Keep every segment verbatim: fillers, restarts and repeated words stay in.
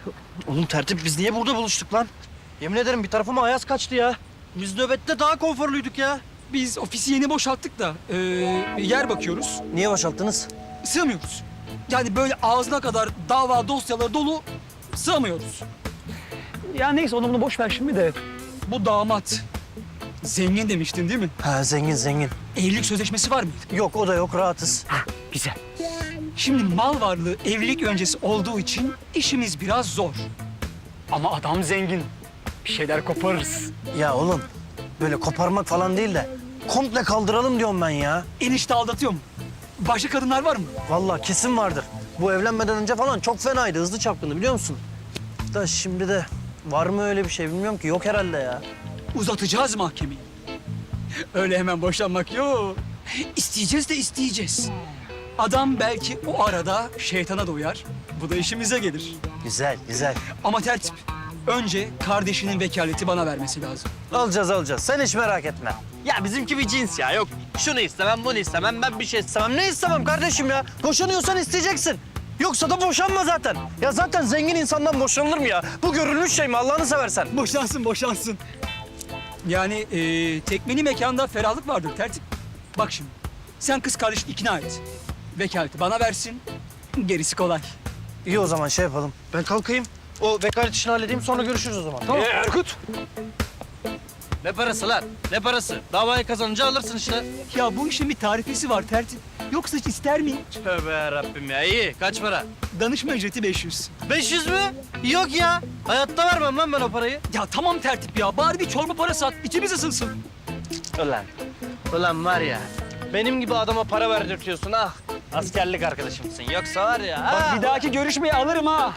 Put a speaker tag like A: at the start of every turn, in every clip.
A: Oğlum tertip biz niye burada buluştuk lan? Yemin ederim bir tarafıma ayaz kaçtı ya. Biz nöbette daha konforluyduk ya.
B: Biz ofisi yeni boşalttık da ee, yer bakıyoruz.
A: Niye boşalttınız?
B: Sığmıyoruz. Yani böyle ağzına kadar dava dosyaları dolu sığmıyoruz. Ya neyse onu bunu boş ver şimdi de. Bu damat zengin demiştin değil mi?
A: Ha zengin zengin.
B: Evlilik sözleşmesi var mıydı?
A: Yok o da yok rahatız.
B: Güzel. Şimdi mal varlığı evlilik öncesi olduğu için işimiz biraz zor. Ama adam zengin. Bir şeyler koparırız.
A: Ya oğlum böyle koparmak falan değil de komple kaldıralım diyorum ben ya.
B: Enişte aldatıyor mu? Başka kadınlar var mı?
A: Vallahi kesin vardır. Bu evlenmeden önce falan çok fenaydı, hızlı çapkındı biliyor musun? Da şimdi de var mı öyle bir şey bilmiyorum ki. Yok herhalde ya.
B: Uzatacağız mahkemeyi. Öyle hemen boşanmak yok. İsteyeceğiz de isteyeceğiz. Adam belki o arada şeytana da uyar. Bu da işimize gelir.
A: Güzel, güzel.
B: Ama tertip. Önce kardeşinin vekaleti bana vermesi lazım.
A: Alacağız, alacağız. Sen hiç merak etme. Ya bizimki bir cins ya. Yok şunu istemem, bunu istemem, ben bir şey istemem. Ne istemem kardeşim ya? Boşanıyorsan isteyeceksin. Yoksa da boşanma zaten. Ya zaten zengin insandan boşanılır mı ya? Bu görülmüş şey mi Allah'ını seversen?
B: Boşansın, boşansın. Yani e, tekmeni mekanda ferahlık vardır tertip. Bak şimdi, sen kız kardeşini ikna et. Vekaleti bana versin, gerisi kolay.
A: İyi o zaman şey yapalım. Ben kalkayım. O vekalet işini halledeyim sonra görüşürüz o zaman. Tamam.
B: Ee, Erkut.
A: Ne parası lan? Ne parası? Davayı kazanınca alırsın işte.
B: Ya bu işin bir tarifesi var tertip. Yoksa hiç ister miyim?
A: Tövbe yarabbim ya. İyi. Kaç para?
B: Danışma ücreti beş yüz.
A: beş yüz mü? Yok ya. Hayatta vermem lan ben o parayı.
B: Ya tamam tertip ya, bari bir çorba parası at, içimiz ısınsın.
A: Ulan. Ulan var ya. Benim gibi adama para verdirtiyorsun ah. Askerlik arkadaşımsın. Yoksa var ya.
B: Bak
A: ha.
B: bir dahaki görüşmeyi alırım ha.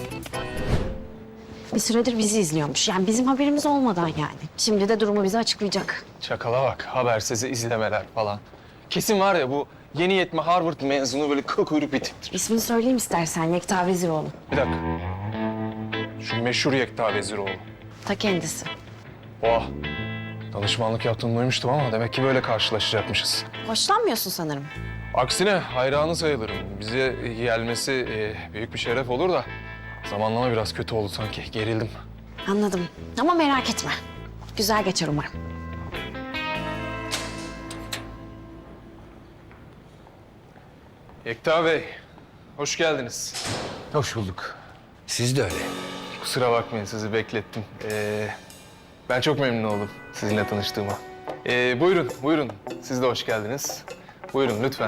C: Bir süredir bizi izliyormuş. Yani bizim haberimiz olmadan yani. Şimdi de durumu bize açıklayacak.
D: Çakala bak, habersiz izlemeler falan. Kesin var ya bu yeni yetme Harvard mezunu böyle kıl kuyruk bir tiptir.
C: İsmini söyleyeyim istersen. Yekta Veziroğlu.
D: Bir dakika. Şu meşhur Yekta Veziroğlu.
C: Ta kendisi.
D: Oh, danışmanlık yaptığını duymuştum ama demek ki böyle karşılaşacakmışız.
C: Hoşlanmıyorsun sanırım.
D: Aksine hayranı sayılırım. Bize gelmesi e, büyük bir şeref olur da zamanlama biraz kötü oldu sanki. Gerildim.
C: Anladım. Ama merak etme. Güzel geçer umarım.
D: Yekta Bey, hoş geldiniz.
E: Hoş bulduk. Siz de öyle.
D: Kusura bakmayın sizi beklettim. Ee, ben çok memnun oldum sizinle tanıştığıma. Ee, buyurun, buyurun. Siz de hoş geldiniz. Buyurun lütfen.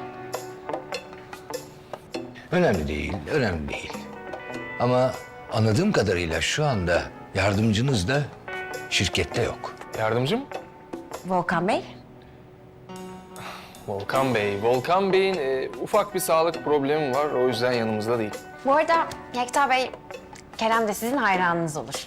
E: Önemli değil, önemli değil. Ama anladığım kadarıyla şu anda yardımcınız da şirkette yok.
D: Yardımcı mı?
C: Volkan Bey.
D: Volkan Bey. Volkan Bey'in e, ufak bir sağlık problemi var. O yüzden yanımızda değil.
C: Bu arada Yekta Bey, Kerem de sizin hayranınız olur.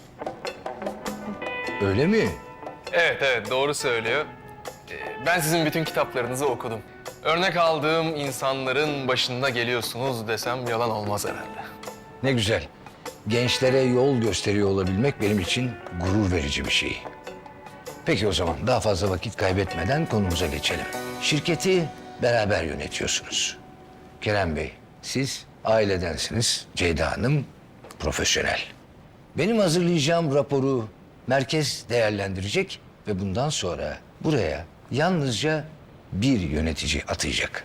E: Öyle mi?
D: Evet, evet. Doğru söylüyor. Ee, ben sizin bütün kitaplarınızı okudum. Örnek aldığım insanların başında geliyorsunuz desem yalan olmaz herhalde.
E: Ne güzel. Gençlere yol gösteriyor olabilmek benim için gurur verici bir şey. Peki o zaman daha fazla vakit kaybetmeden konumuza geçelim. Şirketi beraber yönetiyorsunuz. Kerem Bey, siz ailedensiniz. Ceyda Hanım profesyonel. Benim hazırlayacağım raporu merkez değerlendirecek ve bundan sonra buraya yalnızca bir yönetici atayacak.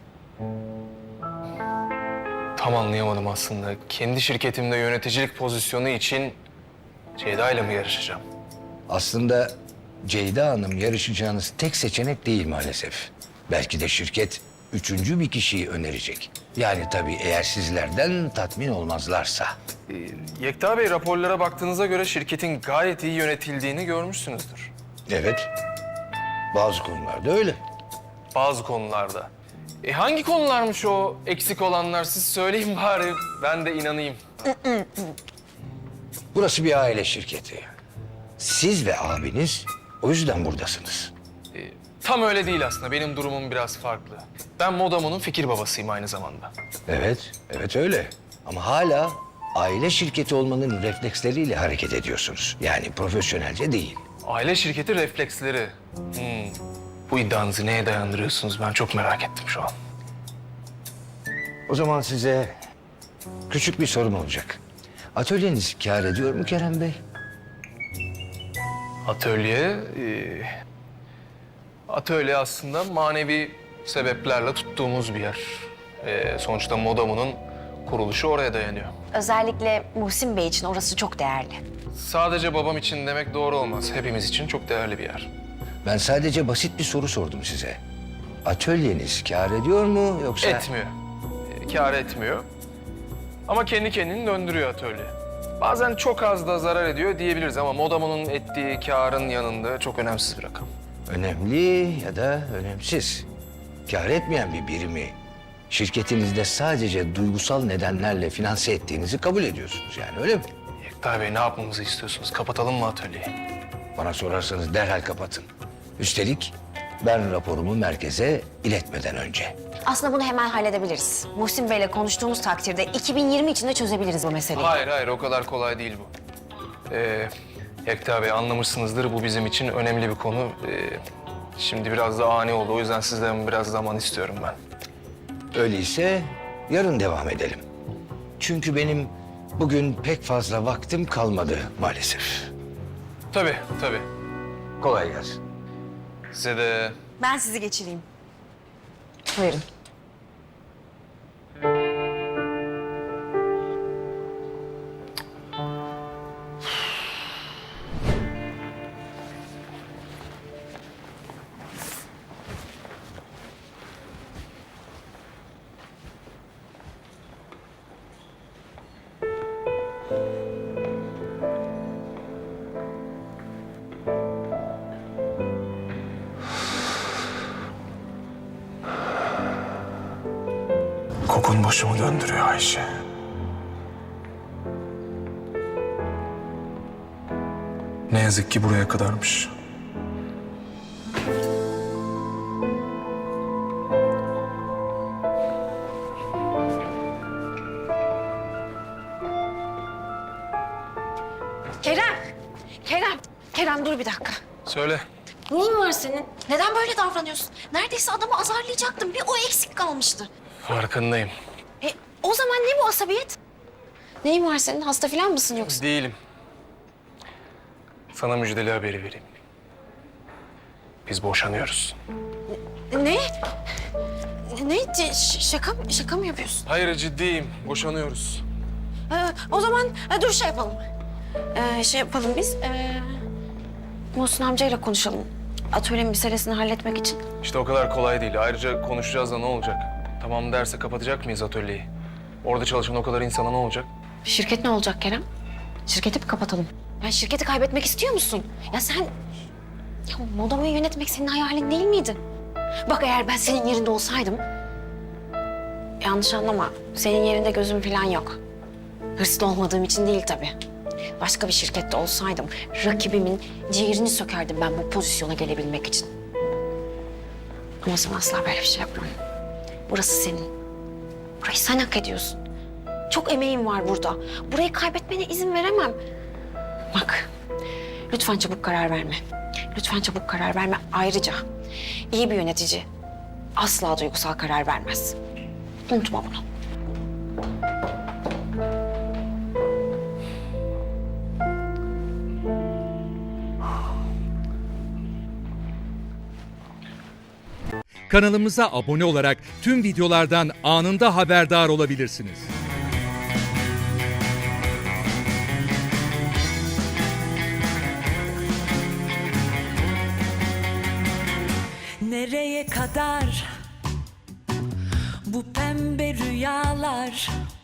D: Tam anlayamadım aslında. Kendi şirketimde yöneticilik pozisyonu için Ceyda ile mi yarışacağım?
E: Aslında Ceyda Hanım yarışacağınız tek seçenek değil maalesef. Belki de şirket üçüncü bir kişiyi önerecek. Yani tabii eğer sizlerden tatmin olmazlarsa.
D: Ee, Yekta Bey, raporlara baktığınıza göre şirketin gayet iyi yönetildiğini görmüşsünüzdür.
E: Evet, bazı konularda öyle.
D: Bazı konularda. E hangi konularmış o eksik olanlar? Siz söyleyin bari, ben de inanayım.
E: Burası bir aile şirketi. Siz ve abiniz o yüzden buradasınız.
D: E, tam öyle değil aslında. Benim durumum biraz farklı. Ben Modamo'nun fikir babasıyım aynı zamanda.
E: Evet, evet öyle. Ama hala aile şirketi olmanın refleksleriyle hareket ediyorsunuz. Yani profesyonelce değil.
D: Aile şirketi refleksleri. Hmm. Bu iddianızı neye dayandırıyorsunuz? Ben çok merak ettim şu an.
E: O zaman size küçük bir sorum olacak. Atölyeniz kâr ediyor mu Kerem Bey?
D: Atölye... e, atölye aslında manevi sebeplerle tuttuğumuz bir yer. E, sonuçta Modamo'nun kuruluşu oraya dayanıyor.
C: Özellikle Muhsin Bey için orası çok değerli.
D: Sadece babam için demek doğru olmaz. Hepimiz için çok değerli bir yer.
E: Ben sadece basit bir soru sordum size. Atölyeniz kâr ediyor mu yoksa...
D: Etmiyor. E, kâr etmiyor. Ama kendi kendini döndürüyor atölye. Bazen çok az da zarar ediyor diyebiliriz ama Modamo'nun ettiği kârın yanında çok önemsiz bir rakam.
E: Önemli ya da önemsiz. Kâr etmeyen bir birimi şirketinizde sadece duygusal nedenlerle finanse ettiğinizi kabul ediyorsunuz yani öyle mi?
D: Yekta Bey ne yapmamızı istiyorsunuz? Kapatalım mı atölyeyi?
E: Bana sorarsanız derhal kapatın. Üstelik ben raporumu merkeze iletmeden önce.
C: Aslında bunu hemen halledebiliriz. Muhsin Bey'le konuştuğumuz takdirde iki bin yirmi içinde çözebiliriz bu meseleyi.
D: Hayır hayır o kadar kolay değil bu. Ee, Yekta Bey anlamışsınızdır bu bizim için önemli bir konu. Ee, şimdi biraz da ani oldu o yüzden sizden biraz zaman istiyorum ben.
E: Öyleyse yarın devam edelim. Çünkü benim bugün pek fazla vaktim kalmadı maalesef.
D: Tabii tabii.
E: Kolay gelsin.
D: Size de
C: Ben sizi geçireyim. Buyurun.
D: kokun başımı döndürüyor Ayşe. Ne yazık ki buraya kadarmış.
C: Kerem! Kerem! Kerem dur bir dakika.
D: Söyle.
C: Neyin var senin? Neden böyle davranıyorsun? Neredeyse adamı azarlayacaktın. Bir o eksik kalmıştı.
D: Farkındayım.
C: E, o zaman ne bu asabiyet? Neyin var senin? Hasta falan mısın yoksa?
D: Değilim. Sana müjdeli haberi vereyim. Biz boşanıyoruz.
C: Ne? Ne? C- ş- şaka, mı- şaka mı yapıyorsun?
D: Hayır ciddiyim. Boşanıyoruz.
C: Ee, o zaman e, dur şey yapalım. Ee, şey yapalım biz. Ee, Muhsin amcayla konuşalım. Atölye meselesini halletmek için.
D: İşte o kadar kolay değil. Ayrıca konuşacağız da ne olacak? Tamam derse kapatacak mıyız atölyeyi? Orada çalışan o kadar insana ne olacak?
C: Şirket ne olacak Kerem? Şirketi mi kapatalım? Ya şirketi kaybetmek istiyor musun? Ya sen... Ya Modamo'yu yönetmek senin hayalin değil miydi? Bak eğer ben senin yerinde olsaydım... Yanlış anlama. Senin yerinde gözüm falan yok. Hırslı olmadığım için değil tabii. Başka bir şirkette olsaydım rakibimin ciğerini sökerdim ben bu pozisyona gelebilmek için. Ama sen asla böyle bir şey yapmam. Burası senin. Burayı sen hak ediyorsun. Çok emeğim var burada. Burayı kaybetmene izin veremem. Bak, lütfen çabuk karar verme. Lütfen çabuk karar verme. Ayrıca iyi bir yönetici asla duygusal karar vermez. Unutma bunu.
F: Kanalımıza abone olarak tüm videolardan anında haberdar olabilirsiniz.
G: Nereye kadar bu pembe rüyalar,